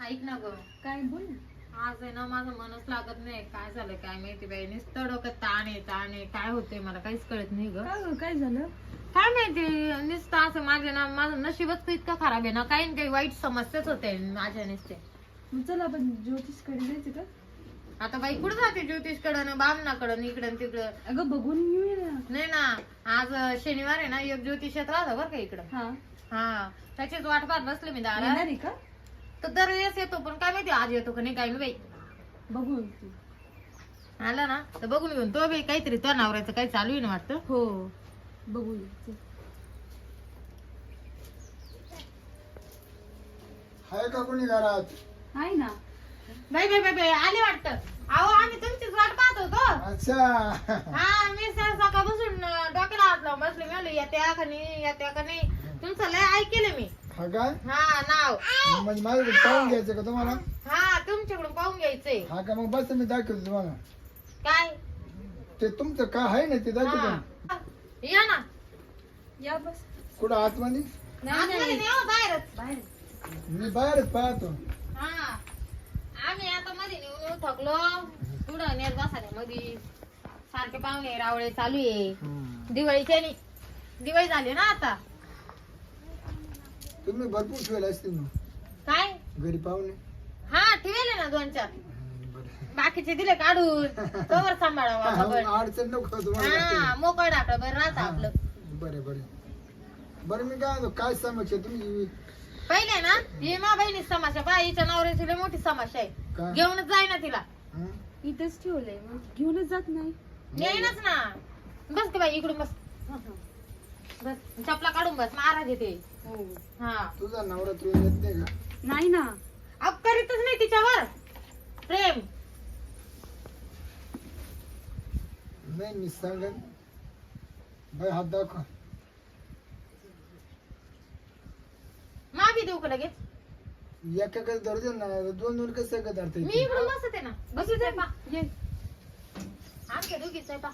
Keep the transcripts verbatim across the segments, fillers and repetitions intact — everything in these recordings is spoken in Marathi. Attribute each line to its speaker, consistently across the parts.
Speaker 1: ऐक ना ग.
Speaker 2: काय बोल ना.
Speaker 1: आज आहे ना माझं मनच लागत नाही. काय झालं काय माहिती बाई. नुसतं डोक्यात ताण आहे ताण आहे. काय होतंय मला काहीच कळत नाही ग.
Speaker 2: काय ग, काय झालं?
Speaker 1: काय माहिती नुसतं असं माझे ना माझं नशीबच इतकं खराब आहे ना. काही ना काही वाईट समस्याच होते माझ्या नुसते.
Speaker 2: मग चला आपण ज्योतिषकडे जायचं का?
Speaker 1: आता बाई कुठं जाते ज्योतिषकडं बामणाकडं इकडं तिकडं.
Speaker 2: अगं बघून येऊया ना.
Speaker 1: नाही ना आज शनिवार आहे ना एक ज्योतिषात राहतं बरं का इकडं.
Speaker 2: हा
Speaker 1: हा त्याचीच वाट पाहत बसले मी दारात.
Speaker 2: येणार आहे का?
Speaker 1: तर दरवेळेस येतो पण काय माहिती आज येतो का नाही काय नाही बाई.
Speaker 2: बघू तू.
Speaker 1: आला ना तर बघून घेऊन तो बाई काहीतरी तो नवऱ्याचं काही चालू आहे ना वाटतं.
Speaker 2: हो बघू चल.
Speaker 3: हाय का कोणी घरात?
Speaker 2: आहे ना.
Speaker 1: बाई बाई बाई बाई आले वाटतं. अहो आम्ही तुमचीच वाट पाहत होतो.
Speaker 3: अच्छा.
Speaker 1: हा मी सर सकाळपासून डोक्याला हात लावून बसले. मी म्हणले येत्या का नाही येत्या का नाही. तुमचं लय ऐकले मी.
Speaker 3: हा काय?
Speaker 1: हा नाव
Speaker 3: म्हणजे माझ्याकडे पाहून घ्यायचं का तुम्हाला?
Speaker 1: हा तुमच्याकडून पाहून घ्यायचंय.
Speaker 3: हा का मग बस मी दाखवतो तुम्हाला.
Speaker 1: काय
Speaker 3: ते तुमचं काय आहे ना ते दाखवतो.
Speaker 1: हा. या ना.
Speaker 2: या बस.
Speaker 3: कुठं आतमध्ये?
Speaker 1: आतमध्ये नाही हो, बाहेरच.
Speaker 2: बाहेर.
Speaker 3: मी बाहेरच पाहतो.
Speaker 1: हा आम्ही आता मध्ये नेऊन येऊ थकलो. पुढं नेत बसाने मध्ये सारखे पाहुणे रावळे चालू आहे. दिवाळीच्या नि- दिवाळी झाली ना आता.
Speaker 3: तुम्ही भरपूर ठेवले असतील मग
Speaker 1: काय
Speaker 3: घरी पाहुणे.
Speaker 1: हा ठेवले ना दोन चार.
Speaker 3: बरं.
Speaker 1: बाकीचे दिले काढून कवर सांभाळावा
Speaker 3: हा,
Speaker 1: खबर.
Speaker 3: अडचण नको तुम्हाला
Speaker 1: हा
Speaker 3: जास्त.
Speaker 1: मोकळ आपलं बरं राहतं
Speaker 3: हा.
Speaker 1: आपलं.
Speaker 3: बरं बरं बरं मी काय म्हणतो, काय समस्या तुम्ही?
Speaker 1: पहिले ना ही मा बहिणी समस्या पहा. हिच्या नवऱ्याची लय मोठी समस्या आहे.
Speaker 3: काय?
Speaker 1: घेऊनच जाय ना तिला.
Speaker 3: हं?
Speaker 2: इथंच ठेवलंय मग घेऊनच जात नाही.
Speaker 1: येईनच ना. बस की बाई इकडून बस. बस चपला काढून बस महाराज येते.
Speaker 2: हो.
Speaker 1: हा
Speaker 3: तुझा नवरा तुला येत नाही का?
Speaker 2: नाही ना.
Speaker 1: अब करीतच नाही तिच्यावर प्रेम.
Speaker 3: नाही मी सांगन. बाई हात दाखव.
Speaker 1: माफी देऊ का लगेच.
Speaker 3: एका कसं धरतो ना, दोन दोन कसं का धरता
Speaker 1: मी
Speaker 3: येते?
Speaker 1: इकडून बसते ना. बसू दे पा.
Speaker 2: ये.
Speaker 1: आमच्या दोघीच आहे पा.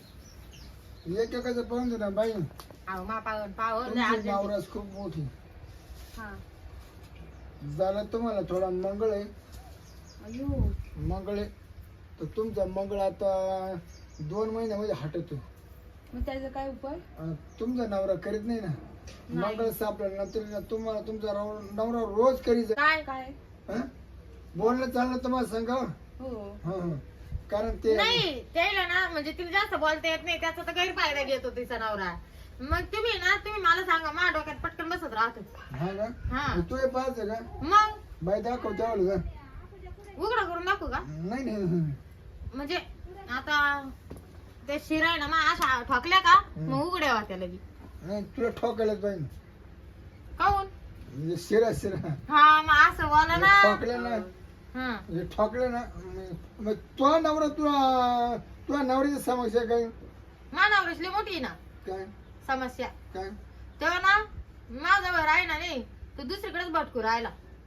Speaker 3: एका कसं पाहून दे ना बाई.
Speaker 1: अहो मा पावन पावन
Speaker 3: तुमची नावरास खूप मोठी
Speaker 1: हा
Speaker 3: झालं. तुम्हाला थोडा मंगळ आहे.
Speaker 2: अयो.
Speaker 3: मंगळ आहे तर तुमचा मंगळ आता दोन महिन्यामध्ये हटतो.
Speaker 2: मग त्याचा काय उपाय?
Speaker 3: आणि तुमचा नवरा करीत नाही ना. मंगळ सापडल्यानंतर तुम्हाला तुमचा नव- नवरा रोज करीत जा.
Speaker 1: काय
Speaker 2: काय?
Speaker 3: हं? बोलणं चालणं तुम्हाला सांगावं.
Speaker 2: हो.
Speaker 3: हं, हं. कारण ते
Speaker 1: नाही त्याला ना म्हणजे तिला जास्त बोलता येत नाही. त्याचा तर गैरफायदा घेतो तिचा नवरा. मग तुम्ही ना तुम्ही मला सांगा माझ्या डोक्यात पटकन बसत राहतो.
Speaker 3: हा का?
Speaker 1: हा.
Speaker 3: तू हे पाहायचं का?
Speaker 1: मग
Speaker 3: बाई दाखव त्यावेळेला का?
Speaker 1: उघडा करून दाखवू का?
Speaker 3: नाही नाही नाही.
Speaker 1: म्हणजे आता ते शिराय ना मग अशा ठोकल्या का मग उघड्या होत्या लगी.
Speaker 3: नाही तुला ठोकायलाच पाहिजे.
Speaker 1: काऊन?
Speaker 3: म्हणजे शिरा शिरा
Speaker 1: हा मग असं बोला ना.
Speaker 3: ठोकल्या ना
Speaker 1: हा
Speaker 3: म्हणजे ठोकलं ना मग- मग तो नवरा तुला तुला नवऱ्याची समस्या काय?
Speaker 1: मानावरच लई मोठी आहे ना
Speaker 3: काय
Speaker 1: समस्या.
Speaker 3: काय?
Speaker 1: तेव्हा ना माझ्यावर आहे ना नाही तो दुसरीकडेच भटकू राहिला.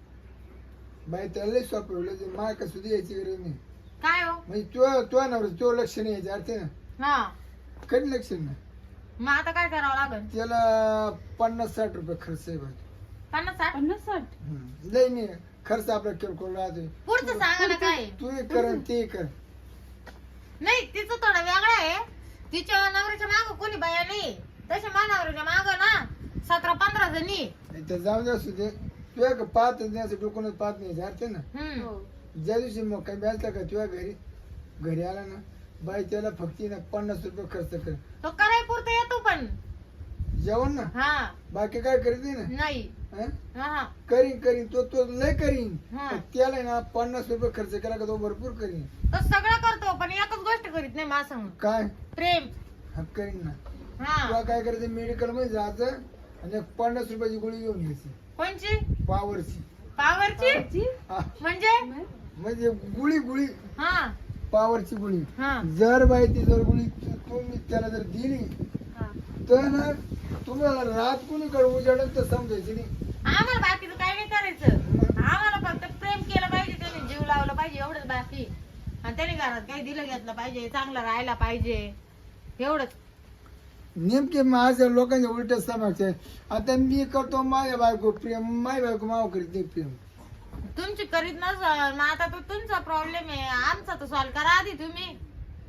Speaker 3: बाई त्याला लई सोपं माय का सुद्धा यायची गरज नाही.
Speaker 1: काय हो?
Speaker 3: म्हणजे तुझ्या तुझ्या नवरा तो लक्ष नाही यायचं अर्थ ना.
Speaker 1: हा
Speaker 3: कधी लक्ष नाही.
Speaker 1: मग आता काय करावं लागल?
Speaker 3: त्याला पन्नास साठ रुपये खर्च आहे बाई.
Speaker 1: पन्नास साठ?
Speaker 2: पन्नास साठ.
Speaker 3: हम्म. लई नाही खर्च आपला किरकोळ राहते.
Speaker 1: पुढचं सांगा ना काय?
Speaker 3: तू हे कर आणि ते कर.
Speaker 1: नाही तिचं थोडं वेगळं आहे. तिच्या नवऱ्याच्या माग कोणी बाया नाही. तशा मानावरच्या माग ना सतरा पंधरा जणी.
Speaker 3: इथं जाऊ दे असू दे. तुझ्या का पाहत नाही असं डोकूनच पाहत नाही अर्थ ना.
Speaker 1: हम्म
Speaker 2: हो.
Speaker 3: ज्या दिवशी मग काही बसला का तुझ्या घरी घरी आला ना बाई त्याला फक्त ना पन्नास रुपये खर्च कर.
Speaker 1: तो कराय पुरता येतो पण.
Speaker 3: जेवण ना
Speaker 1: हा
Speaker 3: बाकी काय करीत नाही ना.
Speaker 1: नाही.
Speaker 3: हं?
Speaker 1: हा
Speaker 3: करीन करीन तो तो लय करीन.
Speaker 1: हा.
Speaker 3: पण त्याला ना पन्नास रुपये खर्च केला का तो भरपूर करीन.
Speaker 1: तो सगळं करतो पण एकच गोष्ट करीत नाही माझं संग.
Speaker 3: काय
Speaker 1: प्रेम.
Speaker 3: हा करीन ना.
Speaker 1: हा
Speaker 3: तुला काय करायचं मेडिकल मध्ये जायचं आणि एक पन्नास रुपयाची गोळी घेऊन घ्यायची
Speaker 1: कोणची?
Speaker 3: पावरची.
Speaker 1: पावरची?
Speaker 2: जी?
Speaker 3: हा,
Speaker 1: म्हणजे
Speaker 3: म्हणजे गुळी गुळी
Speaker 1: हा
Speaker 3: पावरची गुळी.
Speaker 1: हा
Speaker 3: जर बाई ती जर गुळी तू- तुम्ही त्याला जर दिली
Speaker 2: हा.
Speaker 3: तर ना तुम्हाला रात कुणीकडे उजाडत तर समजायची नाही.
Speaker 1: आम्हाला बाकीचं काय नाही करायचं. आम्हाला फक्त प्रेम केलं पाहिजे. त्याने जीव लावला पाहिजे एवढंच बाकी. आणि त्याने घरात काही दिलं घेतलं पाहिजे. चांगलं राहायला पाहिजे एवढंच.
Speaker 3: नेमके माझ्या लोकांच्या उलट समक्ष आहे. आता मी करतो माझ्या बायको प्रेम माझ्या बायको माव करीत नाही प्रेम.
Speaker 1: तुमची करीत नसल मग आता तो तुमचा प्रॉब्लेम आहे, आमचा तो सॉल्व करा आधी तुम्ही.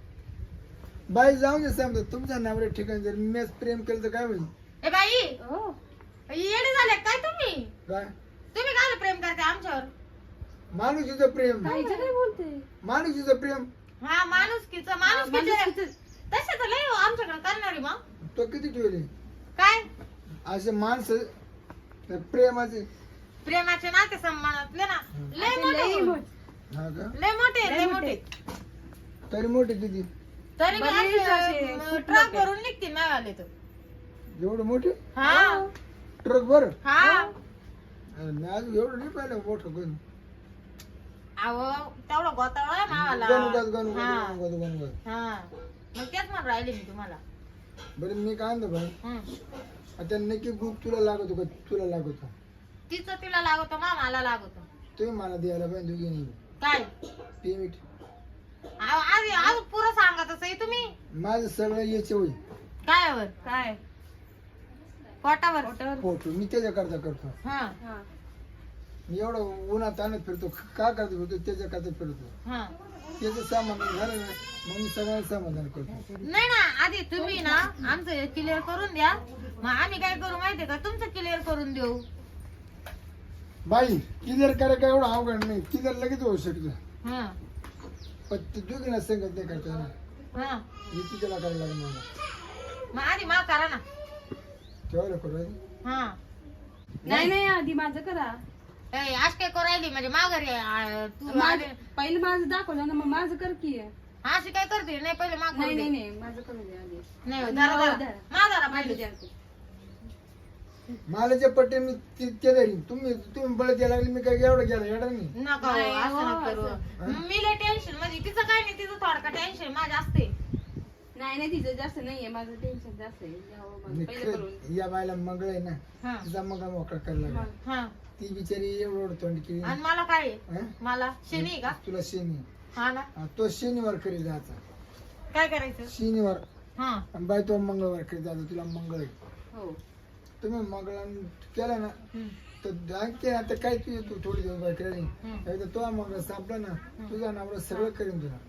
Speaker 3: बाई जाऊ दे समजा तुमच्या नवऱ्या ठिकाणी जर मी प्रेम केलं तर काय होईल?
Speaker 1: ए बाई
Speaker 2: हो
Speaker 1: येडे झाले काय तुम्ही?
Speaker 3: काय
Speaker 1: तुम्ही काय प्रेम करते आमच्यावर?
Speaker 3: माणुसीचं प्रेम,
Speaker 2: काहीच काय बोलते.
Speaker 3: माणुसीचं प्रेम.
Speaker 1: हा माणुसकीच माणूस
Speaker 2: माणुसकीचं-
Speaker 1: तसे तर लय हो आमच्याकडे करणारी मग
Speaker 3: तो किती ठेवले
Speaker 1: काय
Speaker 3: असे माणसं त्या प्रेमाचे?
Speaker 1: प्रेमाचे नाते संबंधातले ना लय
Speaker 2: असे
Speaker 1: मोठे
Speaker 2: लई
Speaker 1: हो.
Speaker 2: मोठ.
Speaker 3: हा का?
Speaker 1: लय मोठे
Speaker 2: लय
Speaker 1: लय
Speaker 2: मोठे.
Speaker 1: मोठे
Speaker 3: तरी मोठे किती?
Speaker 1: तरी
Speaker 2: बरेच असे खूप
Speaker 1: ट्रक
Speaker 2: लोकं.
Speaker 1: भरून निघतील ना आले तर.
Speaker 3: एवढे मोठे
Speaker 1: हा
Speaker 3: ट्रक बर?
Speaker 1: हा
Speaker 3: मी आज एवढं नाही पाहिलं मोठं कोण.
Speaker 1: अहो तेवढा गोतावळा आहे मावाला.
Speaker 3: गणगत गणगत
Speaker 1: हा.
Speaker 3: गणगत गणगत.
Speaker 1: हा मग तेच म्हणून राहिले मी तुम्हाला.
Speaker 3: बरं मी काय म्हणतो भाई,
Speaker 1: हं.
Speaker 3: आता नक्की गुप तुला लागतो का तुला लागतो?
Speaker 1: तिचं तिला लागतो मा मला लागतो.
Speaker 3: तुम्ही मला द्यायला पाहिजे दोघी नाही
Speaker 1: काय
Speaker 3: पेमेंट.
Speaker 1: अहो, आज आज पुरं सांगा तसं तुम्ही.
Speaker 3: माझं सगळं याचे होईल
Speaker 1: काय वर
Speaker 2: काय
Speaker 1: पोटावर
Speaker 2: पोटावर.
Speaker 3: फोटो मी त्याच्याकरता करतो.
Speaker 1: हा
Speaker 2: हा
Speaker 3: मी एवढं उन्हात आणत फिरतो का करतो फिरतो त्याच्याकरता फिरतो.
Speaker 1: हा
Speaker 3: त्याचं समाधान झालं ना मग मी सगळ्यांना समाधान करतो.
Speaker 1: नाही ना आधी तुम्ही ना आमचं क्लिअर करून द्या, मग आम्ही काय करू माहितीये का तुमचं क्लिअर करून देऊ.
Speaker 3: बाई किलर करायला काय एवढं अवघड नाही, किलर लगेच होऊ शकतं.
Speaker 1: हा
Speaker 3: पण ते दोघीला संगत नाही करता येणार.
Speaker 1: हा
Speaker 3: हे तिच्याला करायला लागेल मला.
Speaker 1: मग आधी माफ करा ना.
Speaker 3: ठेवायला करू
Speaker 1: हा
Speaker 2: नाही नाही आधी माझं करा.
Speaker 1: ए, आज काय करू राहिली म्हणजे माघारी आ, तू
Speaker 2: माझं-
Speaker 1: आले-
Speaker 2: पहिलं माझं दाखवलं ना मग माझं कर की.
Speaker 1: अशी काय करते नाही पहिले माग
Speaker 2: नाही नाही नाही माझं करू दे आधी.
Speaker 1: नाही हो,
Speaker 2: आणि
Speaker 1: धरा,
Speaker 2: हो,
Speaker 1: धरा.
Speaker 2: धरा.
Speaker 1: माघारा
Speaker 2: माझं
Speaker 1: पहिले
Speaker 2: द्या तू.
Speaker 3: मला जे पट्टे मी ते ते धरीन. तुम्ही तुम्ही बळ द्यायला लागले मी काय एवढं गेलं एवढं नाही.
Speaker 1: नका हो,
Speaker 2: नाही,
Speaker 1: असं
Speaker 2: हो,
Speaker 1: नका करू.
Speaker 3: असं.
Speaker 1: मी लय टेन्शन म्हणजे तिचं काय नाही, तिचं थोडका टेन्शन माझं असते.
Speaker 2: नाही नाही तिचं जास्त नाहीये, माझं टेन्शन जास्त आहे. द्यावं माझं
Speaker 3: आणि
Speaker 2: पहिलं करून.
Speaker 3: खरं या बायला मंगळ आहे ना
Speaker 1: हा
Speaker 3: तिचा मंगळ मोकळा करायला लागला.
Speaker 2: मग.
Speaker 1: हा
Speaker 3: ती बिचारी एवढं एवढं तोंड केली.
Speaker 1: आणि मला काय आहे?
Speaker 3: हं?
Speaker 1: मला शनी आहे का?
Speaker 3: तुला शनी
Speaker 1: हा ना
Speaker 3: हा, तो शनिवार करी जायचा
Speaker 1: काय करायचं?
Speaker 3: शनिवार
Speaker 1: हा
Speaker 3: आणि बाय तो मंगळवार करी जायचा. तुला मंगळ आहे.
Speaker 2: हो
Speaker 3: तुम्ही मंगळ केला ना
Speaker 1: हम्म.
Speaker 3: तर आणखी आता काय तू तू थोडी दिवस बाय केला
Speaker 1: हम्म.
Speaker 3: नाही एकदा तो मंगळ सापला ना तुझा नवरा सगळं करीन तुला.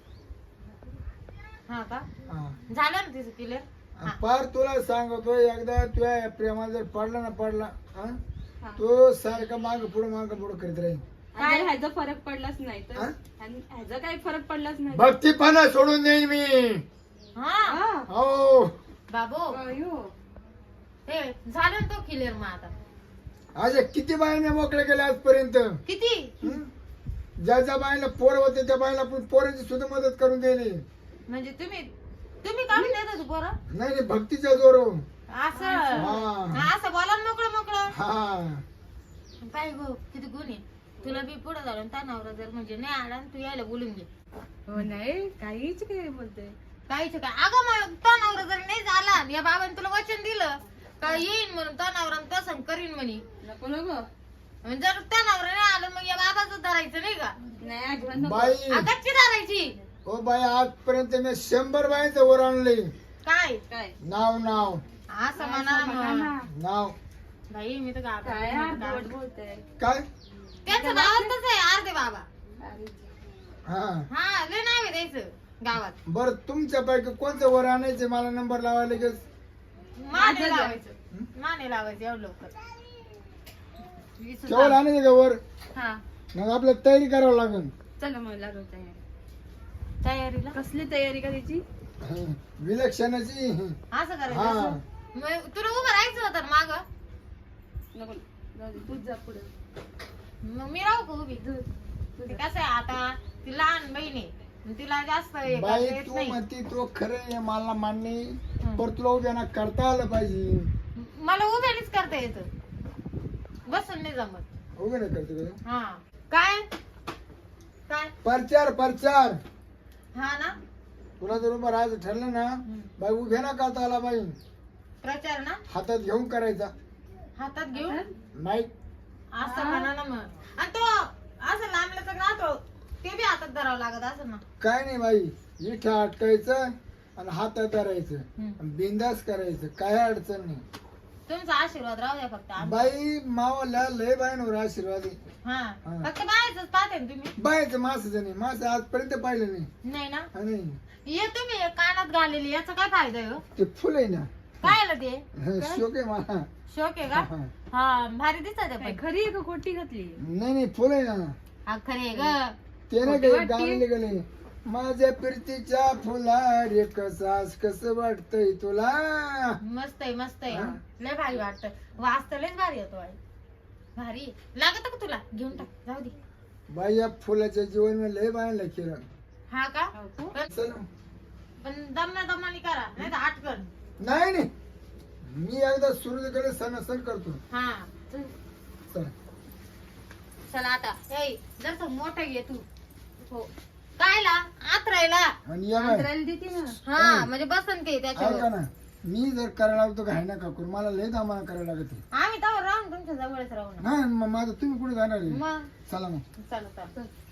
Speaker 1: हा का
Speaker 3: हा
Speaker 1: झालं ना तिचं क्लिअर.
Speaker 3: आणि पार तुला सांगतो एकदा तुझ्या प्रेमात जर पडला ना पडला हा
Speaker 2: हा.
Speaker 3: तो सारखा माग पुढं माग पुढं करीत राहील.
Speaker 2: आणि जर ह्याचा फरक पडलाच नाही तर
Speaker 3: हा?
Speaker 2: आणि ह्याचा काही फरक पडलाच नाही तर-
Speaker 3: भक्तीपणा सोडून देईन मी.
Speaker 1: हा
Speaker 2: हा.
Speaker 3: हो
Speaker 1: बाबू
Speaker 2: अयो.
Speaker 1: हे झालं ना तो क्लिअर मग आता
Speaker 3: असे किती बायाने मोकळे केले आजपर्यंत.
Speaker 1: किती
Speaker 3: हं? ज्या ज्या बाईला पोर होते त्या बाईला आपण पोराची सुद्धा मदत करून दिली.
Speaker 1: म्हणजे तुम्ही तुम्ही काढून देत होते पोरं
Speaker 3: नाही नाही भक्तीच्या जोर.
Speaker 1: असं
Speaker 3: हा.
Speaker 1: हा, असं बोला ना मोकळं मोकळं.
Speaker 3: हा
Speaker 1: काय गो किती गुण आहे तुला बी पुढे झालं त्या नवरा जर म्हणजे नाही आला ना, तू यायला बोलून घे.
Speaker 2: हो नाही काहीच काय बोलते.
Speaker 1: काहीच काय अगं मग तो नवरा जर नाही झाला या बाबाने तुला वचन दिलं का येईन म्हणून तो नवरा तसं करीन म्हणे.
Speaker 2: नको नको
Speaker 1: आणि जर त्या नवरा नाही आलं मग या बाबाचं धरायचं नाही का?
Speaker 2: नाही अजिबात नको.
Speaker 3: बाई
Speaker 1: अगच्ची धरायची.
Speaker 3: हो बाई आजपर्यंत मी शंभर बाईचं वर आणले.
Speaker 1: काय
Speaker 2: काय
Speaker 3: नाव नाव
Speaker 1: असं म्हणा मग.
Speaker 3: नाव
Speaker 1: बाई मी तर
Speaker 2: काय अर्धवट
Speaker 1: गावात
Speaker 2: बोलते.
Speaker 3: काय.
Speaker 1: त्याचं गावातच आहे अर्धे बाबा.
Speaker 2: अरे
Speaker 3: हा
Speaker 1: हा लय नाव आहे द्यायचं गावात.
Speaker 3: बर तुमच्यापैकी कोणतं वर आणायचे मला नंबर लावायला लगेच.
Speaker 1: माने
Speaker 2: माझं
Speaker 1: लावायचं माने लावायचं एवढं लवकर. वीस
Speaker 3: केवळ
Speaker 1: हजार.
Speaker 3: आणायचे का वर.
Speaker 2: हा
Speaker 3: मग आपल्याला तयारी करावं लागेल.
Speaker 2: चला मग लागलो तयारी.
Speaker 1: तयारीला
Speaker 2: कसली तयारी करायची.
Speaker 3: हं. विलक्षणाची.
Speaker 1: असं
Speaker 3: हा
Speaker 1: करायचं. मग तुला उभं राहायचं होतं माग.
Speaker 2: नको जाऊ दे, तूच जा पुढे.
Speaker 1: मग मी राहू का उभी? ते कसं आहे आता ती लहान बहीण आहे मग तिला जास्त हे करता
Speaker 3: बाई
Speaker 1: येत
Speaker 3: तू
Speaker 1: नाही.
Speaker 3: म्हणती तो खरं आहे मला मान्य आहे.
Speaker 1: हं.
Speaker 3: पण तुला उभ्या ना करता आलं पाहिजे.
Speaker 1: मला उभ्यानेच करता येतं बसून नाही जमत.
Speaker 3: उभे नाही करते का.
Speaker 1: हा काय काय
Speaker 3: प्रचार प्रचार.
Speaker 1: हा ना
Speaker 3: तुला जर उभं राहायचं ठरलं ना बाई उभ्या ना करता आला बाई.
Speaker 1: प्रचार ना
Speaker 3: हातात घेऊन करायचा.
Speaker 1: हातात घेऊन
Speaker 3: नाही
Speaker 1: असं म्हणा ना मग. आणि तो असं लांबल्याचं ना तो ते बी हातात धरावं लागत असं ना.
Speaker 3: काय नाही बाई इथं अटकायचं आणि हातात धरायचं
Speaker 1: हं.
Speaker 3: आणि बिंदास करायचं काय अडचण नाही.
Speaker 1: तुमचा आशीर्वाद राहू द्या फक्त आम्ही.
Speaker 3: बाई मावाला लय बायांवर आशीर्वाद आहे.
Speaker 1: हा
Speaker 3: हा.
Speaker 1: फक्त बाहेरच पाहते ना तुम्ही.
Speaker 3: बायचं मासाचं नाही मास आजपर्यंत पाहिलं नाही.
Speaker 1: नाही ना
Speaker 3: हा, नाही
Speaker 1: ये तुम्ही हे कानात घालेली याचा काय फायदा आहे हो?
Speaker 3: ते फुल आहे ना
Speaker 1: काय आलं ते
Speaker 3: शोक आहे मला.
Speaker 1: शोक आहे का?
Speaker 3: हा.
Speaker 1: हा भारी दिसत आहे
Speaker 2: काय
Speaker 1: पण.
Speaker 2: खरी आहे का खोटी घातली?
Speaker 3: नाही नाही फुल आहे ना
Speaker 1: हा खरे आहे ग.
Speaker 3: ते नाही
Speaker 2: खोटी
Speaker 3: काही
Speaker 2: वाटते.
Speaker 3: गाणे गेले माझ्या प्रीतीच्या फुलार कसास कस वाटतय तुला.
Speaker 1: मस्त आहे मस्त आहे
Speaker 3: हा.
Speaker 1: लय भारी वाटत वाचत लयच भारी होतो आई. भारी लागत का तुला? घेऊन टाक जाऊ दे.
Speaker 3: बाई या फुलाच्या जीवन मी लय बायांना केलं.
Speaker 1: हा का?
Speaker 2: हो का?
Speaker 1: पण-
Speaker 3: चल
Speaker 1: पण दमना दमानी करा नाही तर आटकन.
Speaker 3: नाही नाही मी एकदा सूर्यकडे सण सण करतो.
Speaker 1: हा
Speaker 3: चल
Speaker 1: चला आता ए जर मोठं घे तू. हो कायला आतरायला.
Speaker 3: आणि या बाय
Speaker 2: अंतराला देते ना.
Speaker 1: हा म्हणजे बसन ते
Speaker 3: ऐका
Speaker 1: त्याच्यावर.
Speaker 3: ना मी जर करायला लागतो घाई नका करू मला लय दामाना करायला लागते.
Speaker 1: आम्ही तर राहून तुमच्या जवळच राहू ना.
Speaker 3: नाही मग माझं तुम्ही कुठे जाणार आहे
Speaker 1: मग
Speaker 3: चला मग
Speaker 1: चला चला